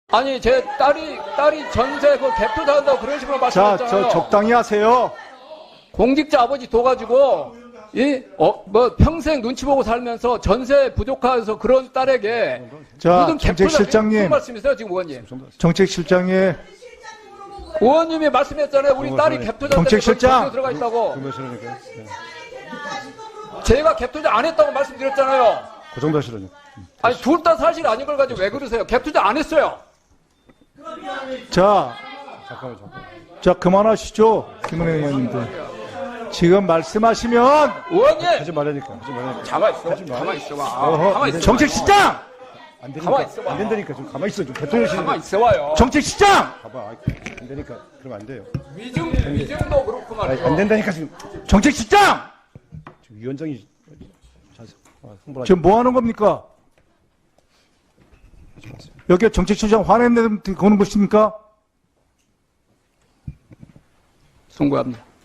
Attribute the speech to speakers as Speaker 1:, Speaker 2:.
Speaker 1: 아니 제 딸이 전세 그 갭 투자한다고 그런 식으로
Speaker 2: 자,
Speaker 1: 말씀하셨잖아요.
Speaker 2: 저 적당히 하세요.
Speaker 1: 공직자 아버지 둬가지고 뭐 평생 눈치 보고 살면서 전세 부족해서 그런 딸에게
Speaker 2: 자,
Speaker 1: 무슨 갭 투자 무슨
Speaker 2: 정책실장님,
Speaker 1: 말씀이세요 지금 의원님?
Speaker 2: 정책실장의
Speaker 1: 의원님이 말씀했잖아요. 우리 딸이 갭 투자
Speaker 2: 정책실장!
Speaker 1: 들어가 있다고.
Speaker 3: 그 정도 하시라니까.
Speaker 1: 제가 갭 투자 안 했다고 말씀드렸잖아요.
Speaker 3: 그 정도 하시라니까.
Speaker 1: 아니 둘 다 사실 아닌 걸 가지고 왜 그러세요? 갭 투자 안 했어요.
Speaker 2: 자,
Speaker 3: 잠깐만.
Speaker 2: 자 그만하시죠, 김은혜 의원님들. 지금 말씀하시면
Speaker 1: 의원님
Speaker 3: 하지 말라니까.
Speaker 1: 가만 있어. 가만 있어봐. 가만 있어.
Speaker 2: 정책실장,
Speaker 3: 안 되니까.
Speaker 1: 가만히 있어봐.
Speaker 3: 안 된다니까. 좀 가만히 있어. 좀 대통령실.
Speaker 1: 가만 있어봐요.
Speaker 2: 정책실장,
Speaker 3: 봐봐. 안 되니까. 그러면 안 돼요.
Speaker 1: 위증도 그렇고 말이죠.
Speaker 3: 안 된다니까 지금.
Speaker 2: 정책실장.
Speaker 3: 지금 위원장이 홍보를
Speaker 2: 지금 뭐 하는 겁니까?
Speaker 3: 하지 마세요.
Speaker 2: 여기 정책실장 화냈는데 거는 것입니까?
Speaker 1: 송구합니다.